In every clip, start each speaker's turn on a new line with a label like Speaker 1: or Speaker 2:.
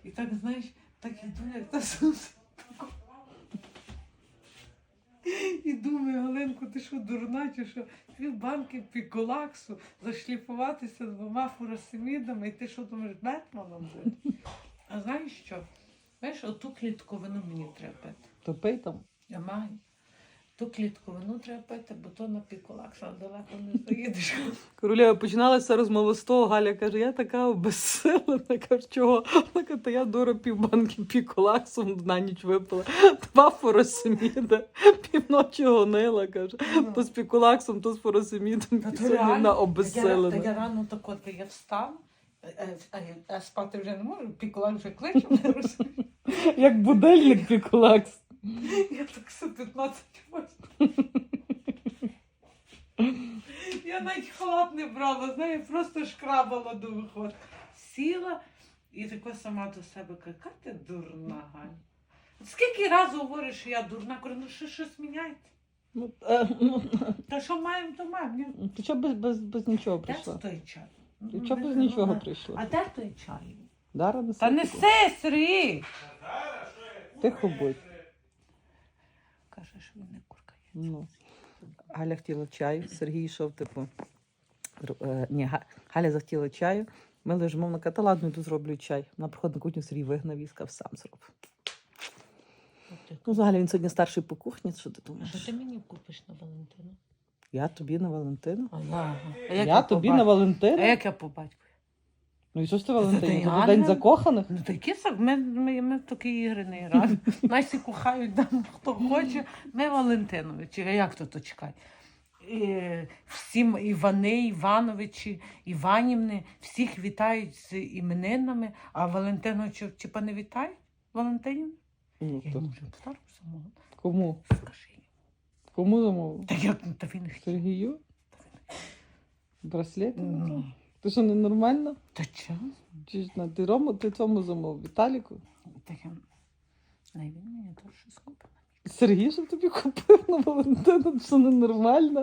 Speaker 1: І так, знаєш, так іду, як та і думаю, Галинко, ти що, дурна, чи що? Півбанки піколаксу, зашліфуватися з 2 фуросемідами, і ти що думаєш, Бетменом бути? А знаєш що? Знаєш, оту клітковину мені треба пити.
Speaker 2: То пий там.
Speaker 1: Я маю. Ту клітковину треба пити, бо то на піколаксу, а далеко не заїдеш.
Speaker 2: Королева, починалася розмова з того, Галя каже, я така обезсилена, каже, чого? Вона каже, та я дура півбанки піколаксом на ніч випила, 2 фуросеміда, півночі гонила, каже, то з піколаксом, то з фуросемідом, і сьогодні вона обезсилена.
Speaker 1: Та я рано так от, я встав, а спати вже не можу, піколак вже кличе, не розумію.
Speaker 2: Як будильник піколакс.
Speaker 1: Я так все 15 років. Я навіть халат не брала, знаю, просто шкрабала до виходу. Сіла і така сама до себе, яка ти дурна, Галя. Скільки разів говориш, що я дурна, кажу, ну що щось міняйте. Та що маємо, то маємо. Ні?
Speaker 2: Ти чого без нічого
Speaker 1: Де
Speaker 2: прийшла?
Speaker 1: той чай?
Speaker 2: Ти чого без нічого прийшла?
Speaker 1: А де той чай?
Speaker 2: Дара неси.
Speaker 1: Та неси, Сергій!
Speaker 2: Тихо будь.
Speaker 1: Каже, що він не куркає.
Speaker 2: Ну. Галя хотіла чаю, Сергій йшов, типу. Галя захотіла чаю. Ми лежимо, вона каже, та ладно, йду зроблю чай. Вона приходить на кухню, Сергій вигнав і сказав, сам зроб. Ну, взагалі, він сьогодні старший по кухні, що ти
Speaker 1: А
Speaker 2: думаєш?
Speaker 1: що ти мені купиш на Валентину?
Speaker 2: Я тобі на Валентину?
Speaker 1: Я
Speaker 2: тобі на Валентину?
Speaker 1: А як я по батьку?
Speaker 2: Ну і що ж ти
Speaker 1: Та
Speaker 2: Валентині?
Speaker 1: ти
Speaker 2: Це день
Speaker 1: Ганна?
Speaker 2: закоханих?
Speaker 1: Ну такі ми такі ігри не граємо. Нас всі кохають, там, хто хоче. Ми Валентиновичі, а як то чекай? Всім Івани, Івановичі, Іванівни, всіх вітають з іменинами, а Валентиновичів типа не вітають? Валентинів?
Speaker 2: Ну,
Speaker 1: Я
Speaker 2: то.
Speaker 1: йому вже подарок замовила.
Speaker 2: Кому?
Speaker 1: Скажи їм.
Speaker 2: Кому замовив?
Speaker 1: Та як та він хотів?
Speaker 2: Сергію? Браслет?
Speaker 1: Ну,
Speaker 2: Ти що, ненормальна?
Speaker 1: та чого?
Speaker 2: Чи ж ти цьому замовив? Віталіку?
Speaker 1: Таке, не він мені теж щось купив.
Speaker 2: Сергій, що тобі купив на Валентину? Ти що, ненормальна?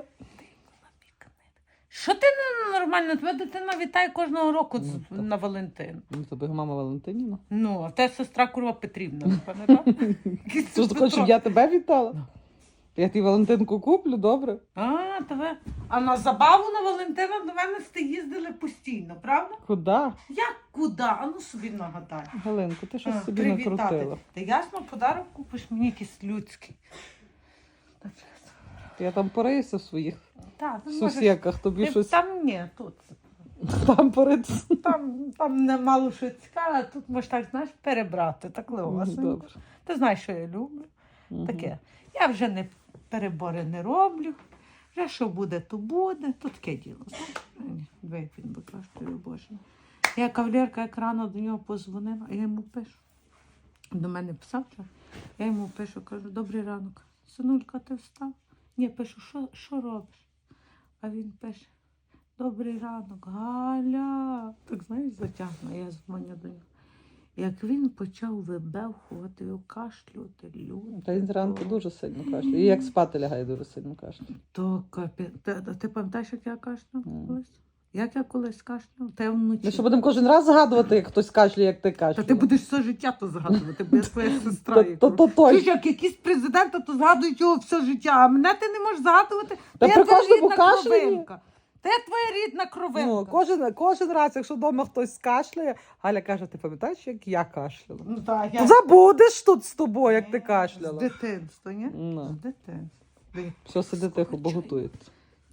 Speaker 1: Що ти нормально? Твоя дитина вітає кожного року
Speaker 2: Ну, так.
Speaker 1: на Валентин.
Speaker 2: Ну, тобі мама Валентиніна.
Speaker 1: Ну, а те сестра Курва Петрівна, не пам'ятаєш?
Speaker 2: Ти ж хочеш, щоб я тебе вітала?
Speaker 1: Ну.
Speaker 2: Я тобі Валентинку куплю, добре?
Speaker 1: А на забаву на Валентина до мене сте їздили постійно, правда?
Speaker 2: Куди?
Speaker 1: Як куди? А ну собі нагадай.
Speaker 2: Галинко, ти щось собі
Speaker 1: Привітати.
Speaker 2: накрутила.
Speaker 1: Та ясно, подарок купиш мені якийсь людський. Так,
Speaker 2: Я там порися в своїх
Speaker 1: так, ти можеш-
Speaker 2: сусіках, тобі
Speaker 1: Ти
Speaker 2: щось
Speaker 1: Там ні, тут.
Speaker 2: там поритися.
Speaker 1: Там не мало що цікаве, а тут можеш так, знаєш, перебрати. Так легасенько.
Speaker 2: Добре.
Speaker 1: Ти знаєш, що я люблю.
Speaker 2: Мгм.
Speaker 1: Таке. Я вже не перебори не роблю. Вже що буде, то буде. То таке діло. Знаєш? Диви, як він використовує, Боже. Я кавалерка, як рано до нього позвонила, а я йому пишу. До мене писав вчора. Я йому пишу, кажу, добрий ранок. Синулька, ти встав? Ні, пишу, що робиш? А він пише, добрий ранок, Галя. Так, знаєш, затягну, я дзвоню до нього. Як він почав вибевхувати, кашлювати, люди.
Speaker 2: Та він зранку дуже сильно кашляє. І як спати лягає, дуже сильно кашляє.
Speaker 1: То ти пам'ятаєш, як я кашляв
Speaker 2: Мгм.
Speaker 1: колись? Як я колись кашляв? Та я вночі.
Speaker 2: Ми що будемо кожен раз згадувати, як хтось кашляє, як ти
Speaker 1: Та
Speaker 2: кашляєш?
Speaker 1: ти будеш все життя то згадувати, бо я твоя сестра.
Speaker 2: То
Speaker 1: яка.
Speaker 2: точно.
Speaker 1: Чуєш, як якісь президенти, то згадують його все життя, а мене ти не можеш згадувати.
Speaker 2: Та
Speaker 1: я
Speaker 2: при
Speaker 1: твоя
Speaker 2: кожному
Speaker 1: рідна
Speaker 2: кашлянні.
Speaker 1: кровинка. Та я твоя рідна кровинка.
Speaker 2: Ну, кожен раз, якщо вдома хтось кашляє, Галя каже, ти пам'ятаєш, як я кашляла?
Speaker 1: Ну, так,
Speaker 2: То забудеш тут з тобою, як ти
Speaker 1: З
Speaker 2: кашляла.
Speaker 1: дитинства, ні?
Speaker 2: Ну.
Speaker 1: З дитинства. Диви.
Speaker 2: Все, сиди тихо, бо готується.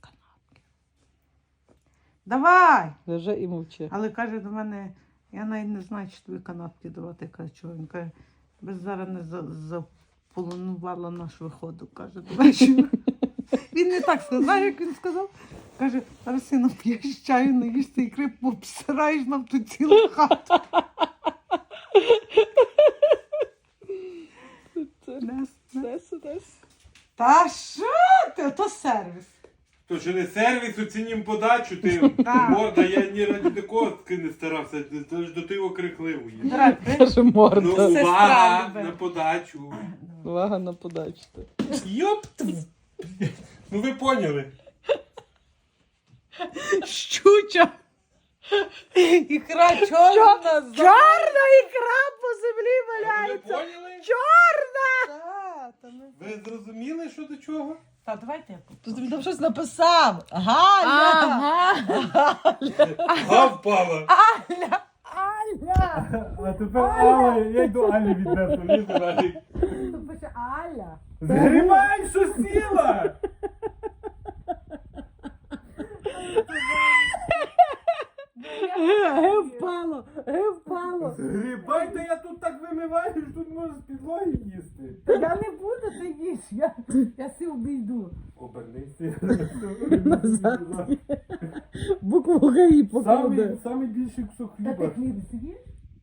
Speaker 1: Давай!
Speaker 2: Лежи і мовчи.
Speaker 1: Але каже до мене, я навіть не знаю, чи тобі канапки давати. Каже, чого? Він каже, без зараз не заполонувала наш виходу. Каже, до вечора. Він не так сказав, знаєш, як він сказав? Каже, зараз сину п'єш чаю, наїшся ікри, обсираєш нам тут цілу хату. Та що ти? То сервіс.
Speaker 3: То що не сервіс, оцінім подачу, ти
Speaker 1: Так.
Speaker 3: морда, я ні раді такого не старався, це ж до ти окрикливо є.
Speaker 1: Дорогой,
Speaker 2: Каже
Speaker 3: Ну,
Speaker 2: морда.
Speaker 1: Сестра
Speaker 3: увага
Speaker 1: любить.
Speaker 3: на подачу.
Speaker 2: Увага на подачу.
Speaker 3: Йоп! Ну ви поняли.
Speaker 1: щуча. Ікра чорна.
Speaker 2: Чорна ікра
Speaker 3: нічого.
Speaker 1: Та давайте я
Speaker 2: Тут
Speaker 1: попробую.
Speaker 2: він там щось написав. Галя!
Speaker 1: Ага.
Speaker 3: Га впала.
Speaker 1: Аля! Аля!
Speaker 3: А тепер Алла, я йду Алі віднесу. Лізу, Алі.
Speaker 1: Тут пише Аля.
Speaker 3: Згрібай, що сіла!
Speaker 2: Впало! Впало!
Speaker 3: Згрібай, та я тут так вимиваю, що тут можеш з підлоги їсти.
Speaker 1: Я не буду, ти їж. Я си обійду.
Speaker 3: Обернися.
Speaker 2: Назад. Букву ГАІ покладе.
Speaker 3: Самий більший кусок
Speaker 1: Та ти
Speaker 3: хліба.
Speaker 1: хліб з'їш?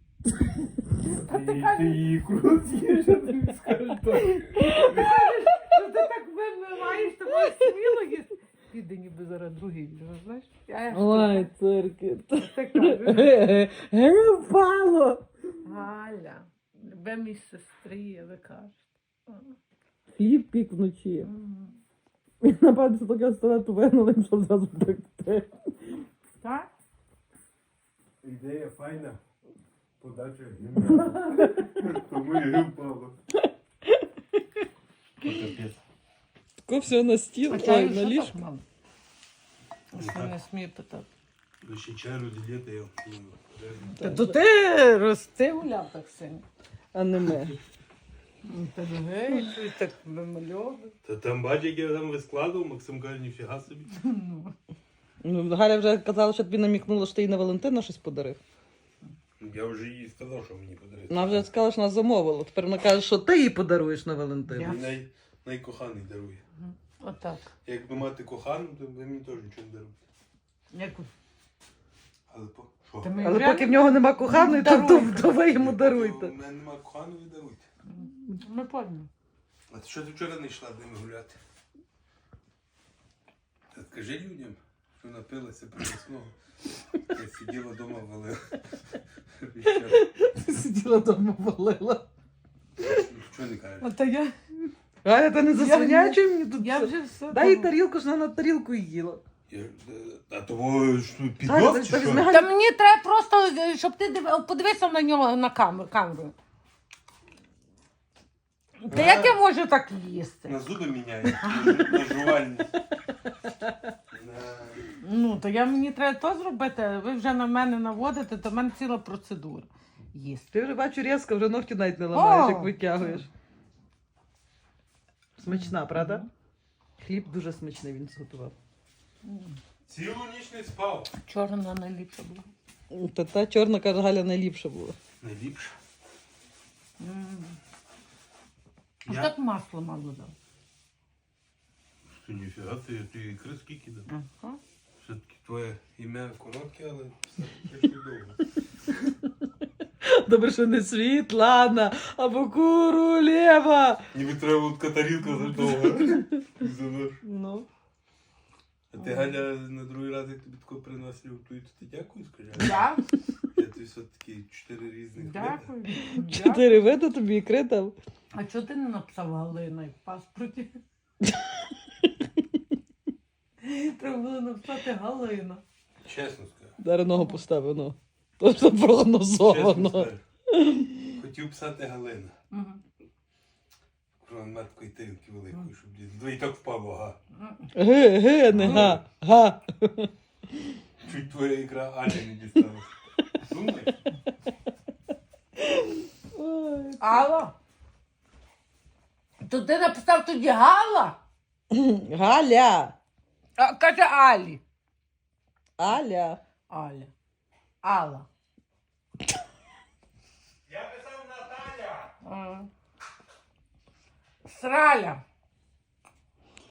Speaker 3: Ти ікру з'їш, а ти скажеш так.
Speaker 1: Що ти так вимиваєш, то можеш сміло їсти. Піде ніби зараз другий, знаєш?
Speaker 2: Ой, цирки.
Speaker 1: Ти кажеш.
Speaker 2: Впало!
Speaker 1: Галя, любимій сестрі, ви кажете.
Speaker 2: Хліб пік вночі. І напевно, що таке столету винули, щоб зразу пекти.
Speaker 1: Так?
Speaker 3: Ідея файна. Подача гімна. Тому і впало. Капець.
Speaker 2: Тако все на стіл, ой, на ліжко.
Speaker 1: Що не смію питати.
Speaker 3: Ви ще чай розділити, я
Speaker 1: Та то ти рости гуляв так сильно.
Speaker 2: А не ми.
Speaker 1: Та гей, щось так вимальовує.
Speaker 3: Та там бач, як я там вискладував, Максим каже, ніфіга собі.
Speaker 2: Ну, Галя вже казала, що тобі намікнула, що ти їй на Валентина щось подарив.
Speaker 3: Я вже їй сказав, що мені подарити.
Speaker 2: Вона вже сказала, що вона замовила. Тепер вона каже, що ти їй подаруєш на Валентина.
Speaker 3: Мені найкоханий дарує.
Speaker 1: Отак.
Speaker 3: Якби мати кохану, то ви мені теж нічого не даруєте.
Speaker 1: Як
Speaker 3: Але що?
Speaker 1: Та ми
Speaker 2: Але
Speaker 1: вже-
Speaker 2: поки в нього нема коханої, то ви йому даруйте.
Speaker 3: У мене немає коханої, даруйте.
Speaker 1: Ми пам'ятаємо.
Speaker 3: А ти що ти вчора не йшла з ними гуляти? Та скажи людям, що напилася принесного. Я сиділа вдома, валила.
Speaker 2: Сиділа вдома, валила.
Speaker 3: Що не кажеш?
Speaker 1: А та я
Speaker 2: Галя, та не засвинячуй мені тут.
Speaker 1: я
Speaker 2: все.
Speaker 1: вже все.
Speaker 2: Дай їй тарілку, що вона на тарілку їла.
Speaker 3: А того що
Speaker 2: Галя,
Speaker 3: піднос
Speaker 2: та
Speaker 3: чи
Speaker 2: візьми
Speaker 3: що?
Speaker 2: Галю.
Speaker 1: Та мені треба просто, щоб ти подивився на нього на камеру. Та як я можу так їсти?
Speaker 3: На зуби міняє, на жувальні.
Speaker 1: Ну, то мені треба то зробити, ви вже на мене наводите, то в мене ціла процедура їсти.
Speaker 2: Ти вже бачу різко, вже ногті навіть не ламаєш,
Speaker 1: О!
Speaker 2: як витягуєш. Смачна, правда? Хліб дуже смачний він зготував.
Speaker 3: Цілу ніч не спав.
Speaker 1: Чорна найліпша була.
Speaker 2: Та чорна, каже, Галя найліпша була.
Speaker 3: Найліпше.
Speaker 1: Ось
Speaker 3: Я-
Speaker 1: так масло мало дав.
Speaker 3: Що ніфіга, ти ікри скільки дав?
Speaker 1: Ага.
Speaker 3: Все-таки твоє ім'я коротке, але все довго.
Speaker 2: Добре, що не Світлана, або Королева.
Speaker 3: Ніби треба було така тарілка задовга.
Speaker 2: Ну.
Speaker 3: А ти, Галя, на другий раз, як тобі тако приносив, то ти дякую, скажи.
Speaker 1: Я?
Speaker 3: Я тобі все-таки 4 різних види.
Speaker 1: Дякую.
Speaker 2: 4 види тобі ікри дав.
Speaker 1: А чого ти не написав Галина в паспорті? Треба було написати Галина.
Speaker 3: Чесно скажу.
Speaker 2: Зараз ногу поставив, ну. То все
Speaker 3: Чесно
Speaker 2: прогнозовано.
Speaker 3: скажу. Хотів писати Галина.
Speaker 1: Мгм.
Speaker 3: Про мене такої тарілки великої, щоб і так впало, га.
Speaker 2: Не га. Га.
Speaker 3: Чуть твоя ікра Алі не дісталася. Думай.
Speaker 2: Ой.
Speaker 1: Алла? То ти написав тоді Гала?
Speaker 2: Галя.
Speaker 1: А, каже Алі.
Speaker 2: Аля.
Speaker 1: Аля. Алла.
Speaker 3: Я писав Наталя.
Speaker 1: Сраля.